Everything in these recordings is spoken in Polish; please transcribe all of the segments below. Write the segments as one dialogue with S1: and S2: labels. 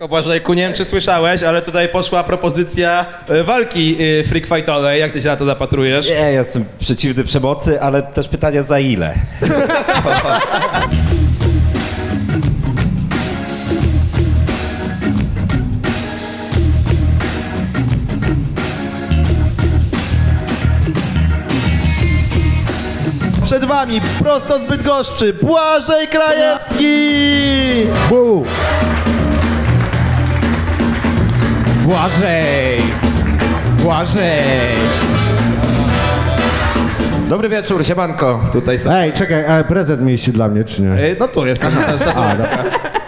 S1: Błażejku, nie wiem czy słyszałeś, ale tutaj poszła propozycja walki freak fightowej. Jak ty się na to zapatrujesz?
S2: Nie, ja jestem przeciwny przemocy, ale też pytanie za ile?
S1: Przed wami, prosto z Bydgoszczy, Błażej Krajewski!
S3: Błażej! Błażej!
S2: Dobry wieczór, siemanko. Tutaj są...
S4: Ej, czekaj, a prezent mieliście dla mnie, czy nie?
S1: No tu jest taka statuetka.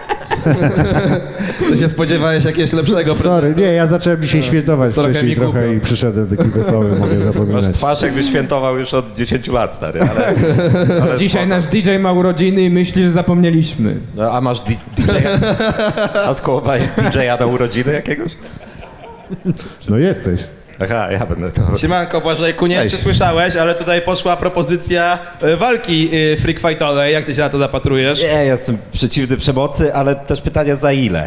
S1: Ty się spodziewałeś jakiegoś lepszego
S4: Sorry, nie, ja zacząłem dzisiaj świętować
S1: Trochę
S4: wcześniej
S1: mi głupio.
S4: trochę i przyszedłem taki wesoły, mogę
S2: Masz
S4: zapominać.
S2: twarz jakbyś świętował już od 10 lat, stary, ale
S3: Dzisiaj
S2: spoko.
S3: nasz DJ ma urodziny i myśli, że zapomnieliśmy.
S2: No, a masz DJ-a? A skołowałeś DJ-a na urodziny jakiegoś?
S4: No jesteś.
S2: Aha, ja będę to...
S1: Siemanko Błażejku, nie wiem
S2: Cześć.
S1: czy słyszałeś, ale tutaj poszła propozycja walki freak fightowej. Jak ty się na to zapatrujesz?
S2: Nie, ja jestem przeciwny przemocy, ale też pytanie za ile?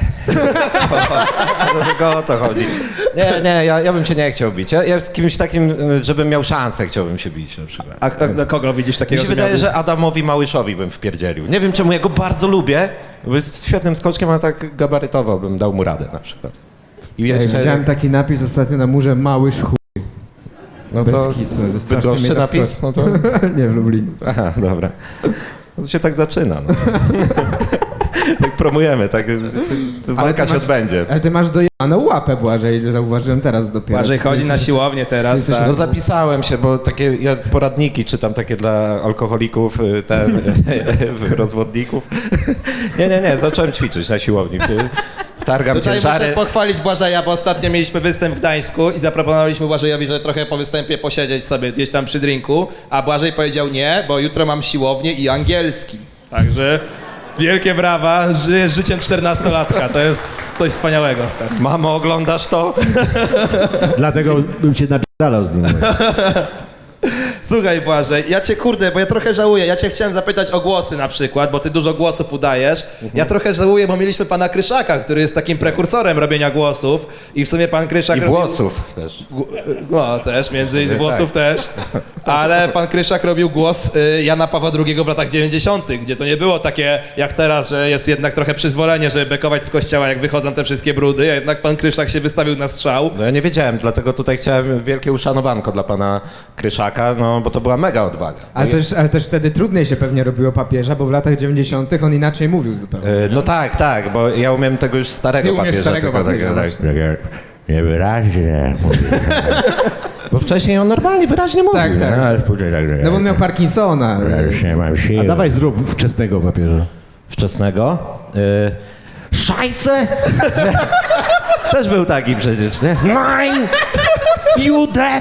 S2: Do tego o to chodzi. Nie, ja bym się nie chciał bić. Ja z kimś takim, żebym miał szansę, chciałbym się bić na przykład.
S1: A na kogo widzisz
S2: Mi
S1: takiego?
S2: się wydaje,
S1: miałby-
S2: że Adamowi Małyszowi bym wpierdzielił. Nie wiem czemu, ja go bardzo lubię, bo jest świetnym skoczkiem, ale tak gabarytowo bym dał mu radę na przykład. I
S3: Ej, widziałem taki napis ostatnio na murze, małyż chuj.
S2: no
S3: Bez
S2: to
S3: kitu, to strasznie
S2: Bydgoszczy
S3: mnie
S2: napis?
S3: zaskoczył.
S2: No to...
S3: Nie, w Lublinie.
S2: Aha, dobra. No to się tak zaczyna, no. Tak promujemy, tak walka
S3: ty
S2: się
S3: masz-
S2: odbędzie.
S3: Ale ty masz dojebaną łapę, Błażej, zauważyłem teraz dopiero.
S1: Błażej chodzi na siłownię teraz,
S3: jesteś-
S1: tak.
S2: No zapisałem się, bo takie ja poradniki czytam takie dla alkoholików, rozwodników. Nie, zacząłem ćwiczyć na siłowni. Targam
S1: Tutaj muszę
S2: ciężary.
S1: pochwalić Błażeja, bo ostatnio mieliśmy występ w Gdańsku i zaproponowaliśmy Błażejowi, że trochę po występie posiedzieć sobie gdzieś tam przy drinku, a Błażej powiedział nie, bo jutro mam siłownię i angielski. Także wielkie brawa, żyjesz życiem 14-latka, to jest coś wspaniałego, stary.
S2: Mamo, oglądasz to?
S4: Dlatego bym cię napierdalał z nim.
S1: Słuchaj Błażej, ja cię kurde, bo ja trochę żałuję, ja cię chciałem zapytać o głosy na przykład, bo ty dużo głosów udajesz. Ja trochę żałuję, bo mieliśmy pana Kryszaka, który jest takim prekursorem robienia głosów i w sumie pan Kryszak
S2: I
S1: robił-
S2: włosów też.
S1: No też, między innymi włosów też, ale pan Kryszak robił głos Jana Pawła II w latach 90., gdzie to nie było takie jak teraz, że jest jednak trochę przyzwolenie, żeby bekować z kościoła, jak wychodzą te wszystkie brudy, a jednak pan Kryszak się wystawił na strzał.
S2: No ja nie wiedziałem, dlatego tutaj chciałem wielkie uszanowanko dla pana Kryszaka, no bo to była mega odwaga.
S3: Ale też wtedy trudniej się pewnie robiło papieża, bo w latach 90. on inaczej mówił zupełnie.
S2: No tak, bo ja umiem tego już starego
S3: Ty umiesz
S2: papieża.
S3: starego
S2: tylko
S3: papieża,
S2: takie niewyraźnie mówię. Bo wcześniej on normalnie, wyraźnie mówił.
S3: Tak, tak.
S2: No, ale później tak,
S3: No bo on miał Parkinsona.
S2: ja już nie mam siły.
S4: A dawaj zrób wczesnego papieża.
S2: Wczesnego? Szajse! Też był taki przecież, nie? Mine! You dead!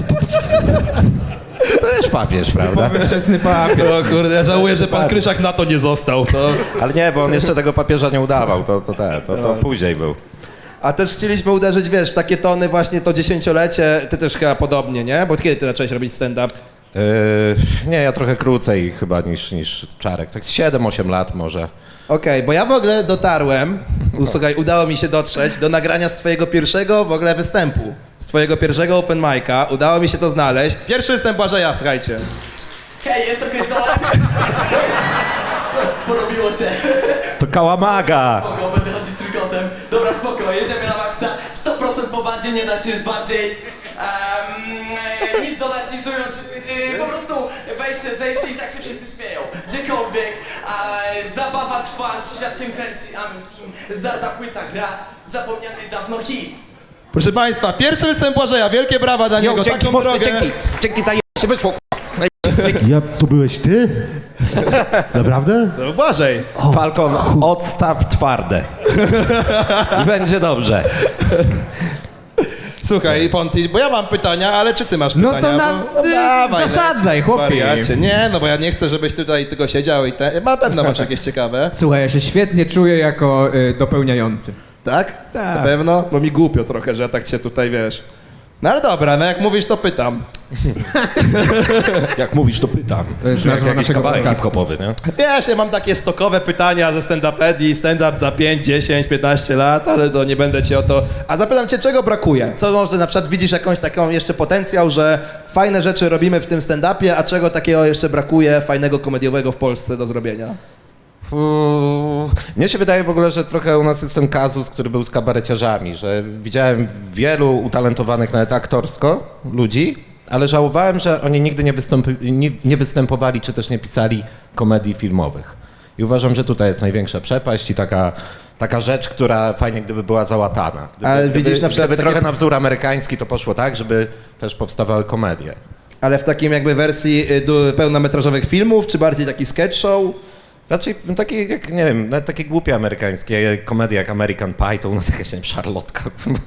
S2: To też papież, prawda?
S3: Wczesny papier.
S1: O kurde, ja żałuję, że pan Kryszak na to nie został. To...
S2: Ale nie, bo on jeszcze tego papieża nie udawał, to później był.
S1: A też chcieliśmy uderzyć, wiesz, w takie tony właśnie to 10-lecie, ty też chyba podobnie, nie? Bo kiedy ty zacząłeś robić stand-up?
S2: Nie, ja trochę krócej chyba niż Czarek, tak z 7-8 lat może.
S1: Okej, bo ja w ogóle dotarłem, słuchaj, udało mi się dotrzeć do nagrania z twojego pierwszego w ogóle występu. Z twojego pierwszego open mic'a, udało mi się to znaleźć. Pierwszy występ Błażeja, słuchajcie.
S5: Hej, jest okręcone! Porobiło się.
S2: To Kałamaga!
S5: Spoko, będę chodzić z trójkątem. Dobra, spoko, jedziemy na maksa. 100% po bandzie, nie da się już bardziej. Nic dodać, nic ująć. Po prostu wejście, zejście i tak się wszyscy śmieją. Gdziekolwiek. Zabawa trwa, świat się kręci, a my w nim. Zarda płyta gra, zapomniany dawno hit.
S1: Proszę państwa, pierwszy występ Błażeja, wielkie brawa dla niego, taką drogę.
S2: Dzięki za się wyszło.
S4: Ja, to byłeś ty? Naprawdę?
S1: No, Błażej.
S2: Falcon, odstaw twarde. I będzie dobrze.
S1: Słuchaj, Ponti, bo ja mam pytania, ale czy ty masz
S3: No
S1: pytania?
S3: to
S1: Dawaj,
S3: zasadzaj,
S1: lecisz,
S3: chłopie.
S1: wariacie. Nie, no bo ja nie chcę, żebyś tutaj tylko siedział i na pewno masz jakieś ciekawe.
S3: Słuchaj, ja się świetnie czuję jako dopełniający.
S1: Tak?
S3: Tak.
S1: Na pewno? Bo mi głupio trochę, że ja tak cię tutaj, wiesz, No ale dobra, no jak mówisz, to pytam.
S2: Jak mówisz, to pytam.
S3: To jest
S2: Brzmi jak
S3: nazwa
S2: jakiś
S3: naszego
S2: kawałek
S3: podcastu.
S2: hip-hopowy, nie?
S1: Wiesz, ja mam takie stokowe pytania ze stand-upedii, stand-up za 5, 10, 15 lat, ale to nie będę cię o to... A zapytam cię, czego brakuje? Co może na przykład widzisz jakąś taką jeszcze potencjał, że fajne rzeczy robimy w tym stand-upie, a czego takiego jeszcze brakuje fajnego komediowego w Polsce do zrobienia?
S2: Mnie się wydaje w ogóle, że trochę u nas jest ten kazus, który był z kabareciarzami, że widziałem wielu utalentowanych nawet aktorsko ludzi, ale żałowałem, że oni nigdy nie występowali czy też nie pisali komedii filmowych. I uważam, że tutaj jest największa przepaść i taka rzecz, która fajnie gdyby była załatana.
S1: Ale widzisz na przykład
S2: gdyby
S1: takie-
S2: trochę na wzór amerykański to poszło tak, żeby też powstawały komedie.
S1: Ale w takim jakby wersji pełnometrażowych filmów, czy bardziej taki sketch show?
S2: Raczej takie, jak nie wiem, nawet takie głupie amerykańskie komedie jak American Pie, to u nas jakaś, nie wiem, szarlotka,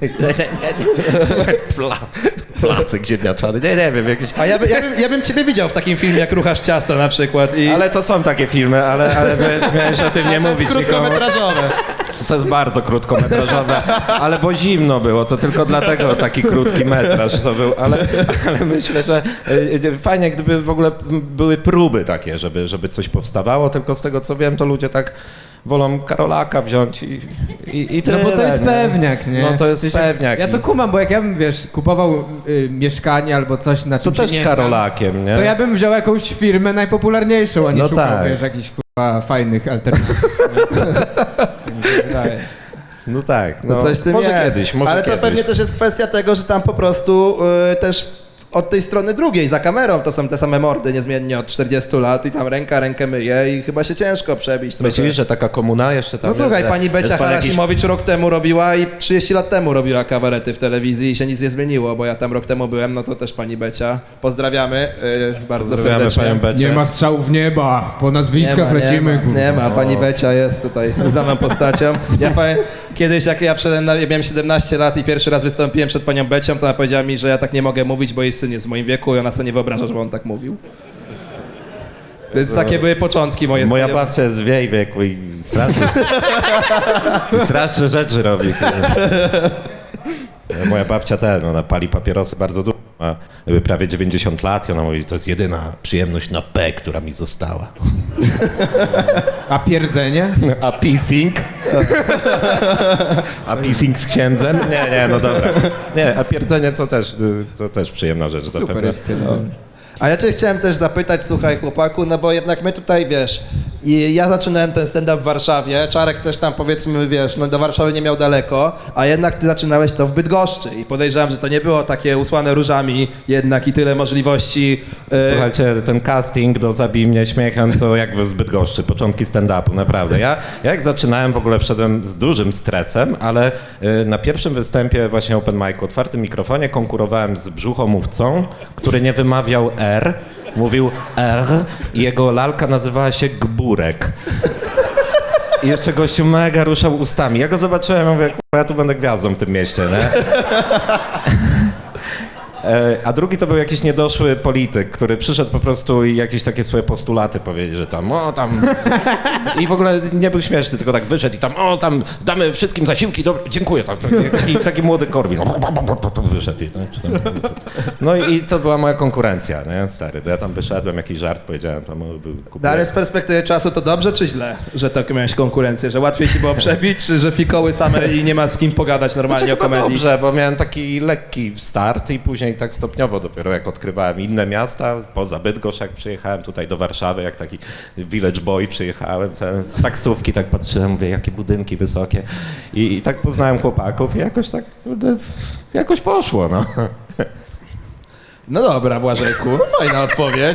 S2: placek ziemniaczany, nie wiem, jakieś...
S1: A ja bym ciebie widział w takim filmie, jak ruchasz ciasto na przykład.
S2: Ale to są takie filmy, ale miałeś o tym nie mówić nikomu.
S1: Krótkometrażowe.
S2: To jest bardzo krótkometrażowe, ale bo zimno było, to tylko dlatego taki krótki metraż to był, ale myślę, że fajnie gdyby w ogóle były próby takie, żeby coś powstawało, tylko z tego co wiem, to ludzie tak wolą Karolaka wziąć i
S3: No
S2: tyle.
S3: bo to jest
S2: nie?
S3: pewniak, nie?
S2: No to jest
S3: W sensie,
S2: pewniak.
S3: Ja to kumam, bo jak ja bym, wiesz, kupował mieszkanie albo coś na
S2: To
S3: czym
S2: też
S3: się nie
S2: z Karolakiem, nie?
S3: znam, to ja bym wziął jakąś firmę najpopularniejszą, a nie
S2: No
S3: szukał,
S2: tak.
S3: wiesz, jakichś kurwa fajnych alternatyw. Tak mi się wydaje.
S2: No tak,
S1: No coś w tym
S2: może
S1: jest.
S2: kiedyś, może
S1: Ale
S2: kiedyś.
S1: to pewnie też jest kwestia tego, że tam po prostu też od tej strony drugiej, za kamerą, to są te same mordy niezmiennie od 40 lat i tam rękę myje i chyba się ciężko przebić trochę.
S2: Myślisz, że taka komuna jeszcze tam
S1: No słuchaj,
S2: jest, że
S1: pani Becia
S2: jest pan jakiś-
S1: Harasimowicz rok temu robiła i 30 lat temu robiła kabarety w telewizji i się nic nie zmieniło, bo ja tam rok temu byłem, no to też pani Becia. Pozdrawiamy bardzo
S2: Pozdrawiamy
S1: serdecznie.
S2: panią Becię.
S3: Nie ma strzałów w nieba, po nazwiskach lecimy, kurwa.
S1: nie ma, pani Becia jest tutaj uznaną postacią. Ja powiem, kiedyś jak ja miałem 17 lat i pierwszy raz wystąpiłem przed panią Becią, to ona powiedziała mi, że ja tak nie mogę mówić, bo jej syn jest w moim wieku i ona sobie nie wyobraża, żeby on tak mówił. Więc takie były początki moje. z
S2: Moja
S1: panią-
S2: babcia jest w jej wieku i straszne rzeczy robi. Moja babcia ona pali papierosy bardzo dużo, ma prawie 90 lat i ona mówi, to jest jedyna przyjemność na P, która mi została.
S3: A pierdzenie?
S2: A pissing? A pissing z księdzem? Nie, no dobra. Nie, a pierdzenie to też przyjemna rzecz zapewne.
S3: jest pierdzenie.
S1: A ja cię chciałem też zapytać, słuchaj chłopaku, no bo jednak my tutaj, wiesz, i ja zaczynałem ten stand-up w Warszawie, Czarek też tam powiedzmy, wiesz, no do Warszawy nie miał daleko, a jednak ty zaczynałeś to w Bydgoszczy i podejrzewam, że to nie było takie usłane różami jednak i tyle możliwości.
S2: Słuchajcie, ten casting do Zabij mnie śmiechem to jak w Bydgoszczy, początki stand-upu, naprawdę. Ja jak zaczynałem w ogóle wszedłem z dużym stresem, ale na pierwszym występie właśnie open mic, otwartym mikrofonie konkurowałem z brzuchomówcą, który nie wymawiał R, mówił R i jego lalka nazywała się Gburek. I jeszcze gościu mega ruszał ustami. Ja go zobaczyłem, mówię, kurwa, ja tu będę gwiazdą w tym mieście, nie? A drugi to był jakiś niedoszły polityk, który przyszedł po prostu i jakieś takie swoje postulaty powiedzieć, że tam, I w ogóle nie był śmieszny, tylko tak wyszedł i tam damy wszystkim zasiłki, dziękuję. Taki młody Korwin. Wyszedł. No i to była moja konkurencja, nie, stary. Ja tam wyszedłem, jakiś żart powiedziałem, tam był
S1: No ale z perspektywy czasu to dobrze czy źle, że tak miałeś konkurencję, że łatwiej ci było przebić, czy że fikoły same i nie ma z kim pogadać normalnie o
S2: chyba
S1: komedii?
S2: dobrze, bo miałem taki lekki start i później tak stopniowo dopiero jak odkrywałem inne miasta, poza Bydgoszcz jak przyjechałem tutaj do Warszawy, jak taki village boy przyjechałem, z taksówki tak patrzyłem, mówię, jakie budynki wysokie i tak poznałem chłopaków i jakoś tak, jakoś poszło, no.
S1: No dobra, Błażejku, fajna odpowiedź.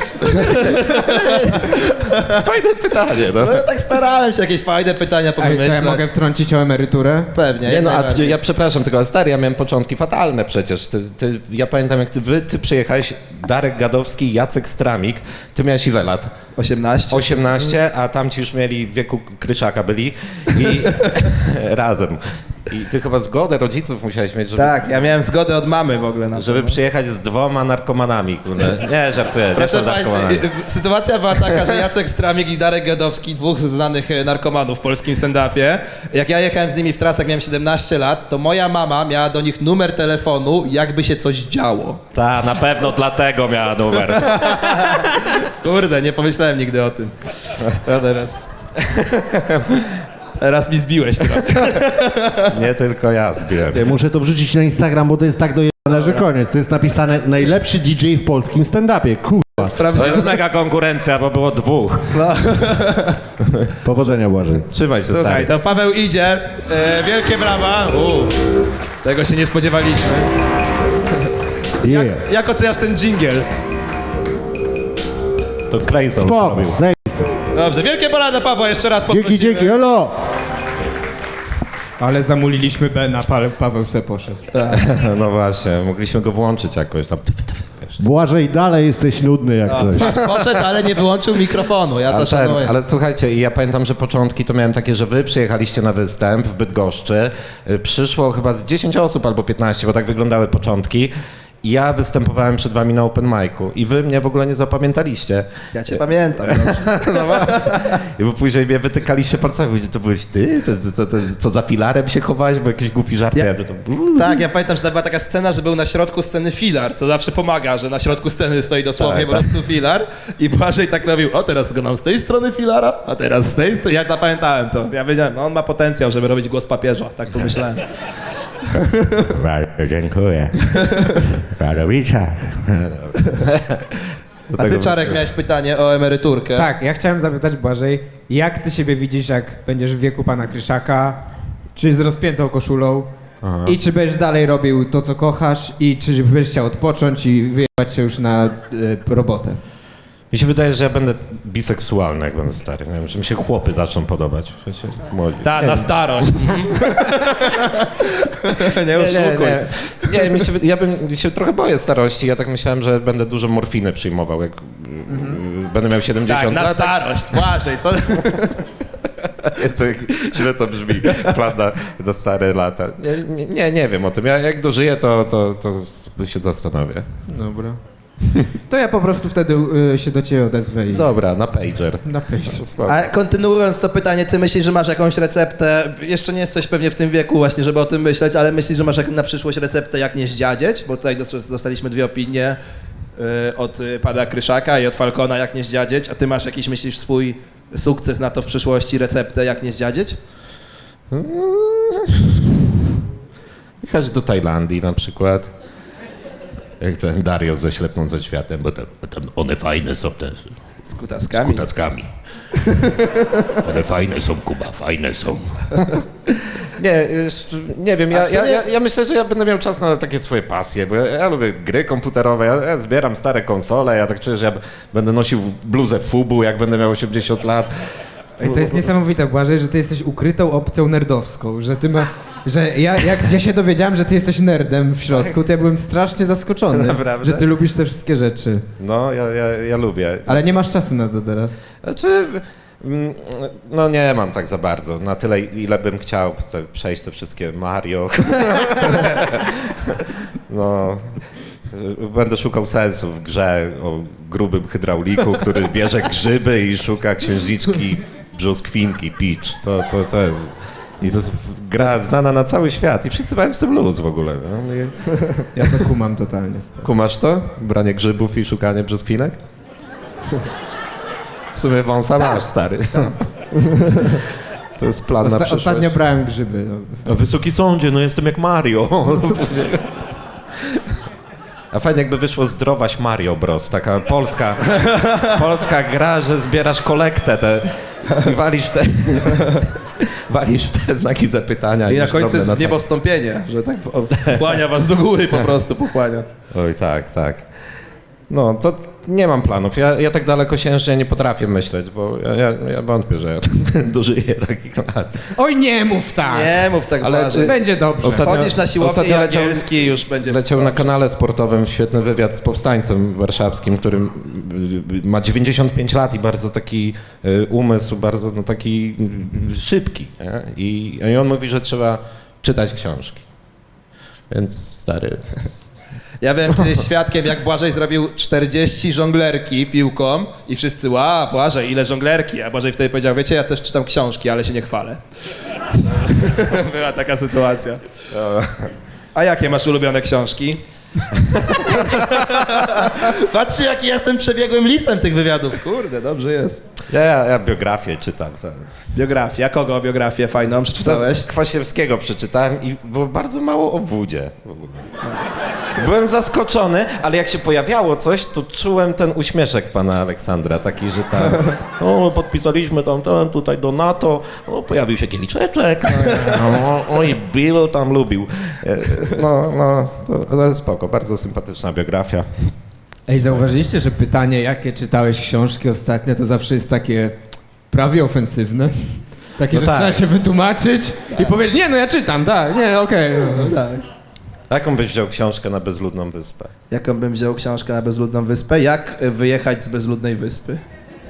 S2: Fajne pytanie, no.
S1: No ja tak starałem się jakieś fajne pytania
S3: Ej, to
S1: pomyśleć.
S3: ja mogę wtrącić o emeryturę?
S1: Pewnie.
S2: Nie no, a
S1: najbardziej.
S2: ja przepraszam, tylko stary, ja miałem początki fatalne przecież. Ja pamiętam, jak ty przyjechałeś, Darek Gadowski, Jacek Stramik, ty miałeś ile lat?
S1: 18.
S2: 18, a tamci już mieli w wieku Kryczaka byli i razem. I ty chyba zgodę rodziców musiałeś mieć, żeby,
S1: Tak, ja miałem zgodę od mamy w ogóle na to.
S2: żeby przyjechać z 2 narkomanami, kurde. Nie, żartuję, nie
S1: Proszę
S2: są
S1: państwa,
S2: narkomanami.
S1: sytuacja była taka, że Jacek Stramik i Darek Gadowski, dwóch znanych narkomanów w polskim stand-upie, jak ja jechałem z nimi w trasach, miałem 17 lat, to moja mama miała do nich numer telefonu, jakby się coś działo.
S2: Ta, na pewno dlatego miała numer.
S1: Kurde, nie pomyślałem nigdy o tym. Ja teraz... Teraz mi zbiłeś trochę.
S2: Nie tylko ja zbiłem.
S4: Ja muszę to wrzucić na Instagram, bo to jest tak dojebane, że koniec. To jest napisane najlepszy DJ w polskim stand-upie. Kurwa.
S2: To
S1: Sprawdziłem.
S2: jest mega konkurencja, bo było 2.
S4: Powodzenia, Błażej.
S2: Trzymaj się,
S1: Słuchaj,
S2: stary.
S1: to Paweł idzie. Wielkie brawa. Tego się nie spodziewaliśmy.
S4: Yeah.
S1: Jak oceniasz ten dżingiel?
S2: To Clayson
S4: Spoko,
S2: zrobił.
S4: zajebiste.
S1: Dobrze, wielkie brawa dla Pawła, jeszcze raz poprosimy.
S4: Dzięki, elo!
S3: Ale zamuliliśmy Bena, Paweł se poszedł.
S2: No właśnie, mogliśmy go włączyć jakoś tam.
S4: Błażej, dalej jesteś nudny jak coś.
S1: Poszedł, ale nie wyłączył mikrofonu, ja to szanuję.
S2: Ale słuchajcie, ja pamiętam, że początki to miałem takie, że wy przyjechaliście na występ w Bydgoszczy. Przyszło chyba z 10 osób albo 15, bo tak wyglądały początki. I ja występowałem przed wami na open micu i wy mnie w ogóle nie zapamiętaliście.
S1: Ja cię pamiętam.
S2: No właśnie. I bo później mnie wytykaliście palcami, mówicie, to byłeś ty? To co za filarem się chowałeś, bo jakiś głupi żart miałem, że to...
S1: Tak, ja pamiętam, że to była taka scena, że był na środku sceny filar, co zawsze pomaga, że na środku sceny stoi dosłownie
S2: Tak,
S1: po prostu filar i Błażej tak robił, o teraz go nam z tej strony filara, a teraz z tej strony, ja zapamiętałem to. Ja wiedziałem, no on ma potencjał, żeby robić głos papieża, tak pomyślałem.
S4: Bardzo dziękuję. Radowicza.
S1: A ty, Czarek, miałeś pytanie o emeryturkę.
S3: Tak, ja chciałem zapytać Błażej, jak ty siebie widzisz, jak będziesz w wieku pana Kryszaka, czy z rozpiętą koszulą i czy będziesz dalej robił to, co kochasz i czy będziesz chciał odpocząć i wyjechać się już na robotę?
S2: Mi się wydaje, że ja będę biseksualny, jak będę stary. Nie wiem, że mi się chłopy zaczną podobać. Wiecie, młodzi.
S1: Ta, na starość. Nie oszukuj.
S2: Nie, ja bym się trochę boję starości. Ja tak myślałem, że będę dużo morfiny przyjmował, jak będę miał 70
S1: Tak, na
S2: lat.
S1: starość, Błażej, co?
S2: Co, źle to brzmi, plan na stare lata. Nie wiem o tym. Ja jak dożyję, to się zastanowię.
S3: Dobra. To ja po prostu wtedy się do ciebie odezwę i...
S2: Dobra, na pager.
S3: Na pejście.
S1: A kontynuując to pytanie, ty myślisz, że masz jakąś receptę, jeszcze nie jesteś pewnie w tym wieku właśnie, żeby o tym myśleć, ale myślisz, że masz na przyszłość receptę, jak nie zdziadzieć? Bo tutaj dostaliśmy 2 opinie od pana Kryszaka i od Falcona, jak nie zdziadzieć, a ty masz jakiś, myślisz, swój sukces na to w przyszłości, receptę, jak nie zdziadzieć?
S2: Jechać do Tajlandii na przykład. Jak ten Dario ze Ślepną ze światem, bo tam one fajne są też.
S1: Z kutaskami?
S2: Kutaskami. One fajne są, Kuba, fajne są. Nie wiem, ja myślę, że ja będę miał czas na takie swoje pasje, bo ja lubię gry komputerowe, ja zbieram stare konsole, ja tak czuję, że ja będę nosił bluzę Fubu, jak będę miał 80 lat.
S3: Ej, to jest niesamowite, Błażej, że ty jesteś ukrytą opcją nerdowską, że ty ma... Że jak ja się dowiedziałem, że ty jesteś nerdem w środku, to ja byłem strasznie zaskoczony,
S2: Naprawdę?
S3: że ty lubisz te wszystkie rzeczy.
S2: No, ja lubię.
S3: Ale nie masz czasu na to teraz.
S2: Znaczy, no nie mam tak za bardzo. Na tyle, ile bym chciał przejść te wszystkie Mario. No, będę szukał sensu w grze o grubym hydrauliku, który bierze grzyby i szuka księżniczki brzoskwinki, Peach. To jest... I to jest gra znana na cały świat i wszyscy mają z tym luz w ogóle. No.
S3: Ja to kumam totalnie.
S2: Kumasz to? Branie grzybów i szukanie brzoskwinek? W sumie wąsa masz, stary. To jest plan na przyszłość.
S3: Ostatnio brałem grzyby. No.
S2: A Wysoki Sądzie, no jestem jak Mario. A fajnie jakby wyszło Zdrowaś Mario Bros, taka polska gra, że zbierasz kolektę i walisz w te znaki zapytania.
S1: I na
S2: masz
S1: końcu
S2: drobne
S1: jest w
S2: notatki.
S1: niebo wstąpienie, że tak wchłania was do góry po prostu, pochłania.
S2: Oj, tak. No, to nie mam planów. Ja tak dalekosiężnie nie potrafię myśleć, bo ja wątpię, że ja dożyję takich lat.
S3: Oj, nie mów tak!
S1: Nie mów tak,
S2: Ale
S1: Błażej.
S3: Będzie dobrze.
S1: Chodzisz na siłownię i
S2: ostatnio
S1: angielski już będzie...
S2: Leciał na kanale sportowym świetny wywiad z powstańcem warszawskim, który ma 95 lat i bardzo taki umysł, bardzo taki szybki. Nie? I on mówi, że trzeba czytać książki. Więc stary...
S1: Ja byłem kiedyś świadkiem, jak Błażej zrobił 40 żonglerki piłką i wszyscy, ła, Błażej, ile żonglerki? A Błażej wtedy powiedział, wiecie, ja też czytam książki, ale się nie chwalę. Była taka sytuacja. A jakie masz ulubione książki? Patrzcie, jaki jestem przebiegłym lisem tych wywiadów. Kurde, dobrze jest.
S2: Ja biografię czytam.
S1: Biografia. A kogo biografię fajną przeczytałeś?
S2: Kwasiewskiego przeczytałem i było bardzo mało o Wódzie. Byłem zaskoczony, ale jak się pojawiało coś, to czułem ten uśmieszek pana Aleksandra, taki, że tam, o, podpisaliśmy tam, tutaj do NATO, o, pojawił się kieliczeczek, oj, Bill tam lubił. No, to jest spoko, bardzo sympatyczna biografia.
S3: Ej, zauważyliście, że pytanie, jakie czytałeś książki ostatnio, to zawsze jest takie prawie ofensywne? Takie,
S2: No
S3: że
S2: tak.
S3: trzeba się wytłumaczyć i powiesz, nie, no ja czytam, tak, nie, okej.
S2: Jaką byś wziął książkę na bezludną wyspę?
S1: Jaką bym wziął książkę na bezludną wyspę? Jak wyjechać z bezludnej wyspy?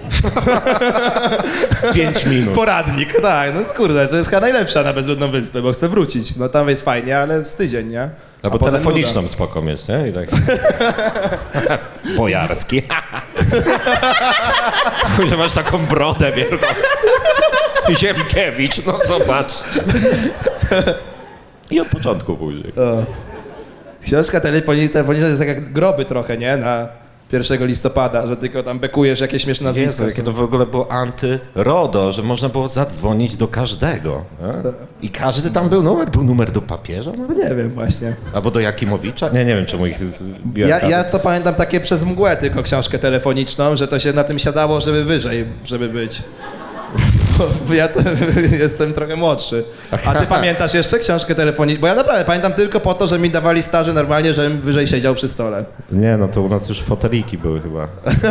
S2: 5 minut.
S1: Poradnik, tak, no kurde, to jest chyba najlepsza na bezludną wyspę, bo chcę wrócić. No tam jest fajnie, ale z tydzień, nie?
S2: Albo
S1: potem
S2: telefoniczną
S1: nuda.
S2: spoko mieć, nie? I tak. Bojarski. Że masz taką brodę wielką. Ziemkiewicz, no zobacz. I od początku później.
S1: Książka telefoniczna to jest jak groby trochę, nie? Na 1 listopada, że tylko tam bekujesz jakieś śmieszne nazwisko.
S2: Jezu, jakie to w ogóle było anty-RODO, że można było zadzwonić do każdego. Nie? I każdy tam był numer do papieża? No?
S1: No nie wiem właśnie.
S2: Albo do Jakimowicza? Nie wiem czemu ich zbiera.
S1: Ja to pamiętam takie przez mgłę tylko książkę telefoniczną, że to się na tym siadało, żeby wyżej, żeby być. Bo ja to, jestem trochę młodszy. A ty pamiętasz jeszcze książkę telefoniczną? Bo ja naprawdę pamiętam tylko po to, że mi dawali staży normalnie, żebym wyżej siedział przy stole.
S2: Nie, no to u nas już foteliki były chyba.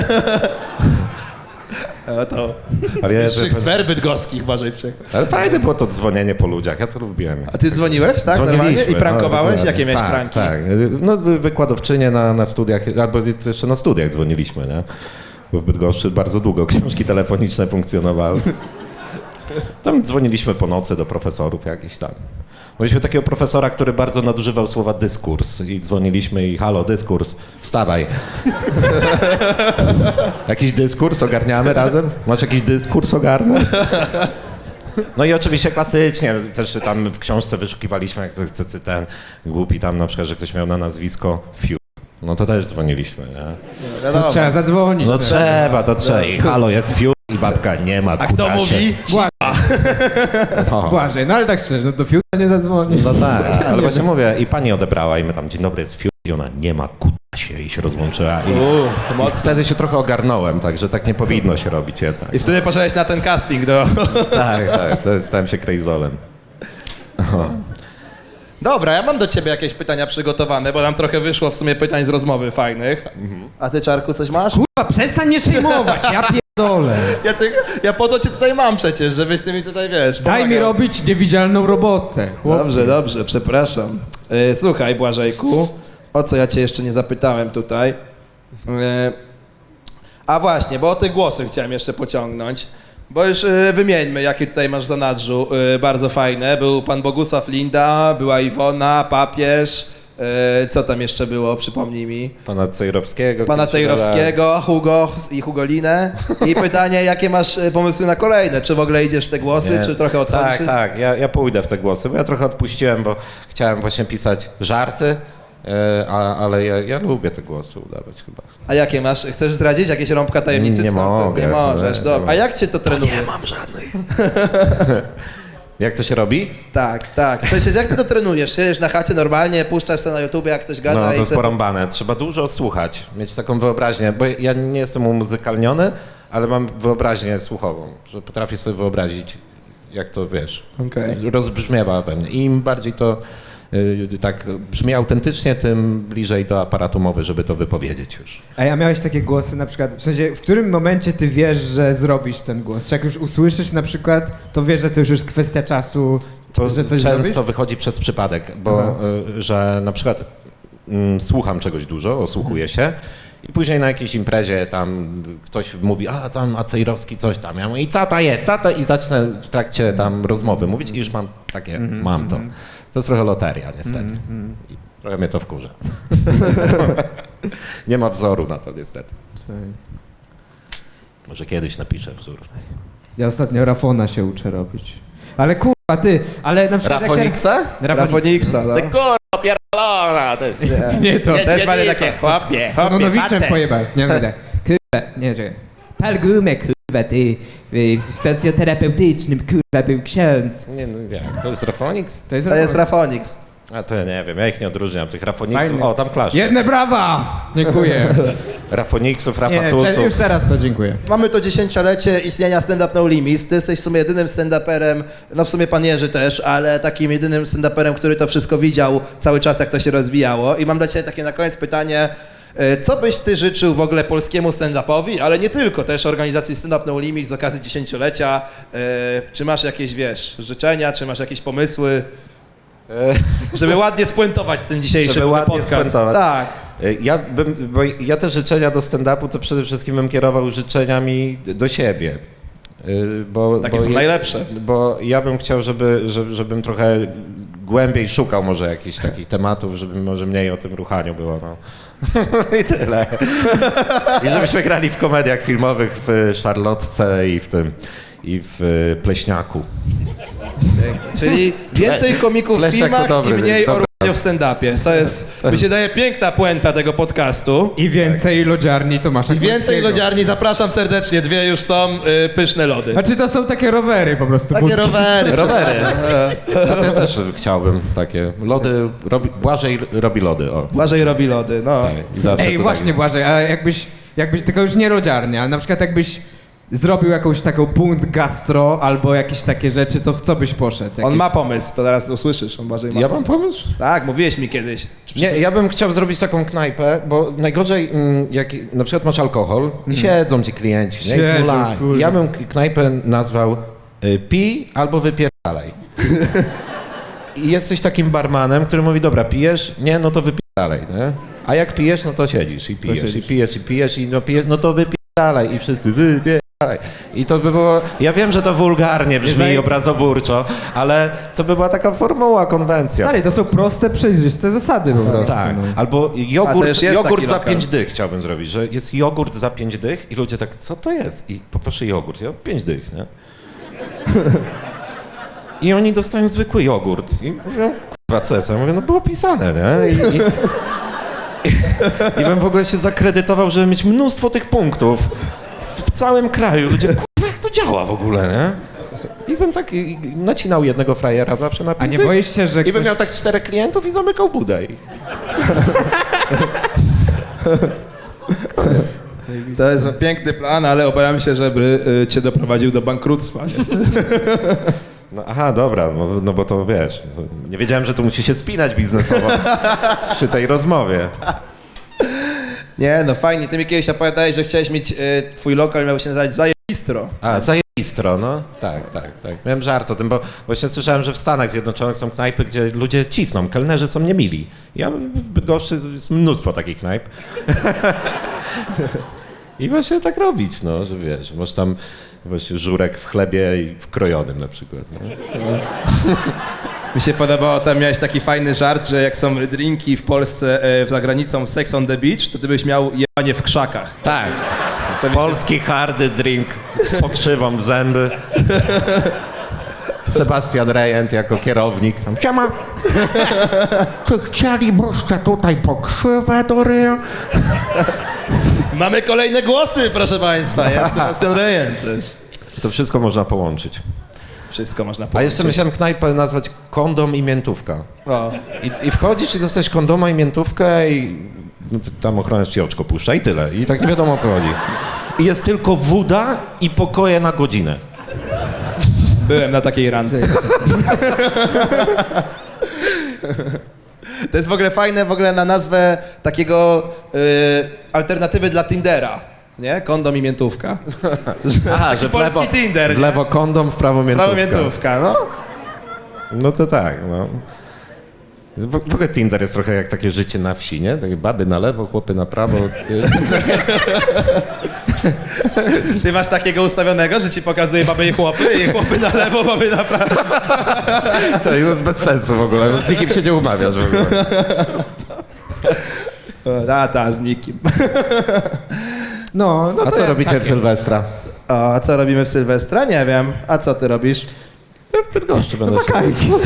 S1: To
S2: Ale ja,
S1: z sfer bydgoskich bardziej przykład.
S2: ale fajne było to dzwonienie po ludziach, ja to lubiłem.
S1: A ty dzwoniłeś, tak? Normalnie?
S2: Dzwoniliśmy,
S1: I prankowałeś?
S2: no,
S1: Jakie miałeś
S2: tak,
S1: pranki?
S2: Tak, no wykładowczynie na studiach, albo jeszcze na studiach dzwoniliśmy, nie? Bo w Bydgoszczy bardzo długo książki telefoniczne funkcjonowały. Tam dzwoniliśmy po nocy do profesorów jakichś tam. Mieliśmy takiego profesora, który bardzo nadużywał słowa dyskurs i dzwoniliśmy i halo, dyskurs, wstawaj. Jakiś dyskurs ogarniamy razem? Masz jakiś dyskurs ogarnąć? No i oczywiście klasycznie, też tam w książce wyszukiwaliśmy, jak ten głupi tam na przykład, że ktoś miał na nazwisko Fiu. No to też dzwoniliśmy, nie?
S3: No trzeba zadzwonić.
S2: No trzeba, to trzeba. I halo, jest Fiu i babka nie ma,
S1: A kto
S2: kutasie.
S1: mówi?
S2: No.
S3: Błażej, no ale tak szczerze, no do fiuta nie zadzwonisz.
S2: No tak, ale właśnie mówię, i pani odebrała i my tam, dzień dobry, jest Fiu i ona nie ma, kutasie i się rozłączyła. I wtedy się trochę ogarnąłem, także tak nie powinno się robić jednak.
S1: I wtedy poszedłeś na ten casting do...
S2: Tak, wtedy stałem się krejzolem.
S1: Dobra, ja mam do ciebie jakieś pytania przygotowane, bo nam trochę wyszło w sumie pytań z rozmowy fajnych. A ty, Czarku, coś masz?
S3: Kurwa, przestań mnie przejmować, ja pierdolę.
S1: Ja po to cię tutaj mam przecież, żebyś ty mi tutaj, wiesz,
S3: Daj mi
S1: pomagał.
S3: robić niewidzialną robotę. chłopie.
S1: Dobrze, przepraszam. Słuchaj, Błażejku, o co ja cię jeszcze nie zapytałem tutaj. A właśnie, bo o te głosy chciałem jeszcze pociągnąć. Bo już wymieńmy, jakie tutaj masz w zanadrzu bardzo fajne. Był pan Bogusław Linda, była Iwona, papież. Co tam jeszcze było, przypomnij mi.
S2: Pana Cejrowskiego.
S1: Pana Cejrowskiego, Hugo i Hugolinę. I pytanie, jakie masz pomysły na kolejne? Czy w ogóle idziesz w te głosy,
S2: Nie.
S1: czy trochę odchodzisz?
S2: Tak, ja pójdę w te głosy, bo ja trochę odpuściłem, bo chciałem właśnie pisać żarty, ale ja lubię te głosy udawać chyba.
S1: A jakie masz? Chcesz zdradzić jakieś rąbka tajemnicy?
S2: Nie
S1: Stąd?
S2: mogę.
S1: Nie możesz,
S2: Nie,
S1: dobra.
S2: nie
S1: A jak cię to trenuje?
S2: Nie mam żadnych. Jak to się robi?
S1: Tak. W sensie, jak ty to trenujesz? Siedzisz na chacie normalnie, puszczasz sobie na YouTube, jak ktoś gada
S2: No, to
S1: i
S2: jest
S1: sobie...
S2: porąbane. Trzeba dużo słuchać, mieć taką wyobraźnię, bo ja nie jestem umuzykalniony, ale mam wyobraźnię słuchową, że potrafię sobie wyobrazić, jak to, wiesz,
S1: Okej.
S2: rozbrzmiewa we mnie. I im bardziej to tak brzmi autentycznie, tym bliżej do aparatu mowy, żeby to wypowiedzieć już.
S3: A ja miałeś takie głosy na przykład, w sensie, w którym momencie ty wiesz, że zrobisz ten głos? Czy jak już usłyszysz na przykład, to wiesz, że to już jest kwestia czasu,
S2: To
S3: że coś
S2: często
S3: zrobisz?
S2: wychodzi przez przypadek, bo że na przykład słucham czegoś dużo, osłuchuję się I później na jakiejś imprezie tam ktoś mówi, a tam Acejrowski coś tam. Ja mówię, i co to jest, co to? I zacznę w trakcie tam rozmowy mówić i już mam takie, mam to. To jest trochę loteria niestety. I trochę mnie to wkurza. Nie ma wzoru na to niestety. Może kiedyś napiszę wzór.
S3: Ja ostatnio Rafona się uczę robić. Ale kurwa, ty, ale na przykład... jak
S2: Rafoniksa?
S1: Rafoniksa, no.
S2: Ty kurwa pierdolona! To jest...
S3: Nie, to...
S1: Też mamy takie, chłopie,
S3: Nonowiczem pojebał. Nie mówię tak. Kurwa, nie, czekaj. Pal gumę, kurwa, ty. W socjoterapeutycznym, kurwa, był ksiądz.
S2: Nie, no jak, to jest Rafoniks?
S3: To jest
S1: To jest Rafoniks.
S2: A to ja nie wiem, ja ich nie odróżniam, tych Rafoniksów,
S3: Fajny.
S2: o tam klaszcze.
S3: Jedne brawa! Dziękuję.
S2: Rafoniksów,
S3: Nie,
S2: Rafatusów.
S3: już teraz to dziękuję.
S1: Mamy to 10-lecie istnienia Stand Up No Limits. Ty jesteś w sumie jedynym stand-uperem, no w sumie pan Jerzy też, ale takim jedynym stand-uperem, który to wszystko widział cały czas, jak to się rozwijało. I mam dla ciebie takie na koniec pytanie, co byś ty życzył w ogóle polskiemu stand-upowi, ale nie tylko, też organizacji Stand Up No Limits z okazji 10-lecia. Czy masz jakieś, wiesz, życzenia, czy masz jakieś pomysły? Żeby ładnie spuentować ten dzisiejszy
S2: Żeby ładnie
S1: podcast.
S2: spuentować.
S1: Tak.
S2: Bo ja te życzenia do stand-upu to przede wszystkim bym kierował życzeniami do siebie.
S1: Takie są najlepsze.
S2: Bo ja bym chciał, żebym trochę głębiej szukał może jakichś takich tematów, żeby może mniej o tym ruchaniu było. No. I tyle. I żebyśmy grali w komediach filmowych w Szarlotce i w Pleśniaku.
S1: Czyli więcej komików w
S2: Leszek to
S1: filmach
S2: dobry,
S1: i mniej
S2: dobry.
S1: o ruchaniu w stand-upie. To jest, mi się daje piękna puenta tego podcastu.
S3: I więcej lodziarni Tomasza
S1: I więcej
S3: Górskiego.
S1: lodziarni, zapraszam serdecznie, 2 już są, pyszne lody.
S3: Znaczy to są takie rowery po prostu.
S1: Takie
S3: budki.
S1: rowery.
S2: Rowery. A to ja też chciałbym takie. Lody, Błażej robi lody, o.
S1: Błażej robi lody, no.
S2: Tak, i zawsze
S3: Ej,
S2: to
S3: właśnie
S2: tak.
S3: Błażej, a jakbyś, tylko już nie lodziarnia, ale na przykład jakbyś zrobił jakąś taką bunt gastro albo jakieś takie rzeczy, to w co byś poszedł?
S1: On
S3: Jakieś-
S1: ma pomysł, to teraz usłyszysz, on Błażej ma
S2: Ja mam pomysł?
S1: Tak, mówiłeś mi kiedyś.
S2: Nie, ja bym chciał zrobić taką knajpę, bo najgorzej, jak na przykład masz alkohol i siedzą ci klienci, nie? I
S3: Siedzą,
S2: zmulają.
S3: kurde.
S2: Ja bym knajpę nazwał pij albo wypierdalaj. I jesteś takim barmanem, który mówi, dobra, pijesz? Nie, no to wypierdalaj, nie? A jak pijesz, no to siedzisz i pijesz, i pijesz, i pijesz, i no pijesz, no to wypierdalaj. I wszyscy wypierdalaj. I to by było, ja wiem, że to wulgarnie brzmi i obrazoburczo, ale to by była taka formuła, konwencja.
S3: Stary, to są proste, przejrzyste zasady po prostu.
S2: Tak,
S3: no.
S2: albo
S1: A to już jest
S2: jogurt
S1: taki
S2: za
S1: lokal.
S2: 5 dych chciałbym zrobić, że jest jogurt za 5 dych i ludzie tak, co to jest? I poproszę jogurt, ja 5 dych, nie? I oni dostają zwykły jogurt i mówią, kurwa, co jest? Ja mówię, no było pisane, nie? I bym w ogóle się zakredytował, żeby mieć mnóstwo tych punktów w całym kraju. Ludzie, kurwa, jak to działa w ogóle, nie? I bym tak nacinał jednego frajera zawsze na 5
S3: A nie
S2: dych.
S3: boisz się, że
S2: I bym
S3: ktoś...
S2: miał tak 4 klientów i zamykał budę.
S1: To jest piękny plan, ale obawiam się, żeby cię doprowadził do bankructwa.
S2: No, aha, dobra, no bo to wiesz, nie wiedziałem, że to musi się spinać biznesowo przy tej rozmowie.
S1: Nie, no fajnie. Ty mi kiedyś opowiadałeś, że chciałeś mieć, twój lokal miał się nazywać Zajebistro.
S2: A, zajebistro, no. Tak. Miałem żart o tym, bo właśnie słyszałem, że w Stanach Zjednoczonych są knajpy, gdzie ludzie cisną, kelnerzy są niemili. Ja w Bydgoszczy jest mnóstwo takich knajp. I właśnie tak robić, no, że wiesz, masz tam właśnie żurek w chlebie i w krojonym na przykład. No.
S1: Mi się podobało, tam miałeś taki fajny żart, że jak są drinki w Polsce za granicą Sex on the Beach, to ty byś miał jebanie w krzakach.
S2: Tak.
S1: To mi się-
S2: Polski hardy drink z pokrzywą w zęby. Sebastian Rejent jako kierownik. Tam, siema. Czy chcielibyście tutaj pokrzywę do ryja?
S1: Mamy kolejne głosy, proszę państwa. Jest Sebastian Rejent też.
S2: To wszystko można połączyć.
S1: Wszystko można
S2: A
S1: powiedzieć.
S2: jeszcze myślałem knajpę nazwać kondom i miętówka.
S1: O.
S2: I wchodzisz i dostajesz kondoma i miętówkę i no, tam ochroniarz ci oczko puszcza i tyle. I tak nie wiadomo o co chodzi. I jest tylko woda i pokoje na godzinę.
S1: Byłem na takiej randce. To jest w ogóle fajne na nazwę takiego alternatywy dla Tindera. Nie? Kondom i miętówka.
S2: Aha, że
S1: polski Tinder,
S2: w lewo kondom, w prawo miętówka.
S1: Prawo miętówka, no.
S2: No to tak, no. W ogóle Tinder jest trochę jak takie życie na wsi, nie? Takie baby na lewo, chłopy na prawo.
S1: Ty masz takiego ustawionego, że ci pokazuje baby i chłopy na lewo, baby na prawo.
S2: To jest bez sensu w ogóle, no z nikim się nie umawiasz w ogóle.
S1: Z nikim.
S3: No
S2: A
S3: to
S2: co
S3: ja
S2: robicie
S3: takie.
S2: w Sylwestra?
S1: A co robimy w Sylwestra? Nie wiem. A co ty robisz?
S2: W Bydgoszczy będę się...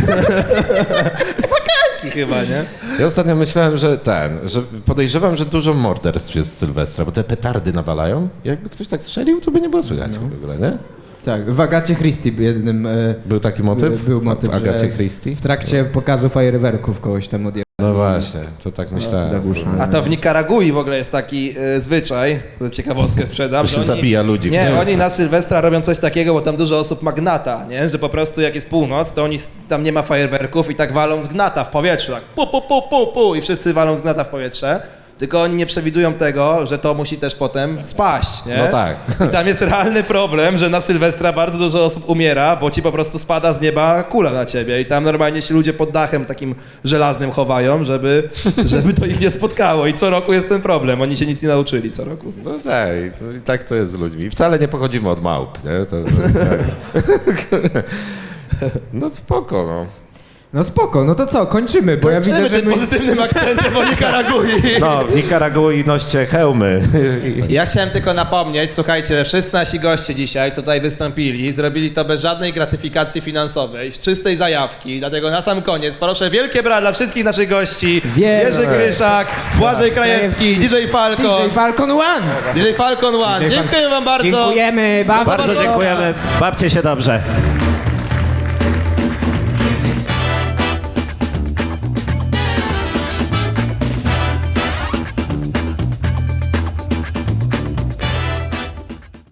S1: Chyba, nie?
S2: Ja ostatnio myślałem, że podejrzewam, że dużo morderstw jest z Sylwestra, bo te petardy nawalają. Jakby ktoś tak strzelił, to by nie było słychać w ogóle, nie?
S3: Tak, w Agacie Christie jednym
S2: Był taki motyw?
S3: był motyw,
S2: w Agacie
S3: że
S2: Christie?
S3: w trakcie pokazu fajerwerków kogoś tam odjechał.
S2: No właśnie, to tak myślałem.
S3: Zagłuszony.
S1: A to w Nikaragui w ogóle jest taki zwyczaj, ciekawostkę sprzedam,
S2: Że
S1: że
S2: się zabija ludzi.
S1: Nie,
S2: w
S1: oni na Sylwestra robią coś takiego, bo tam dużo osób ma gnata, nie? Że po prostu jak jest północ, to oni tam nie ma fajerwerków i tak walą z gnata w powietrzu, tak pu, pu, pu, pu, pu i wszyscy walą z gnata w powietrze. Tylko oni nie przewidują tego, że to musi też potem spaść, nie?
S2: No tak.
S1: I tam jest realny problem, że na Sylwestra bardzo dużo osób umiera, bo ci po prostu spada z nieba kula na ciebie i tam normalnie się ludzie pod dachem takim żelaznym chowają, żeby to ich nie spotkało i co roku jest ten problem, oni się nic nie nauczyli co roku.
S2: No tak, no i tak to jest z ludźmi. I wcale nie pochodzimy od małp, nie? To jest tak. No spoko, no.
S3: No spoko, no to co, kończymy, bo ja widzę, że
S1: tym pozytywnym akcentem o Nikaragui.
S2: No, w Nikaragui noście hełmy.
S1: Ja chciałem tylko napomnieć, słuchajcie, wszyscy nasi goście dzisiaj, co tutaj wystąpili, zrobili to bez żadnej gratyfikacji finansowej, z czystej zajawki, dlatego na sam koniec proszę wielkie brawa dla wszystkich naszych gości,
S3: Wielkie.
S1: Jerzy Kryszak, Błażej Krajewski, DJ Falcon,
S3: DJ Falcon One!
S1: DJ Falcon One, dziękuję wam bardzo.
S3: Dziękujemy, bardzo.
S2: Bardzo dziękujemy. Bawcie się dobrze.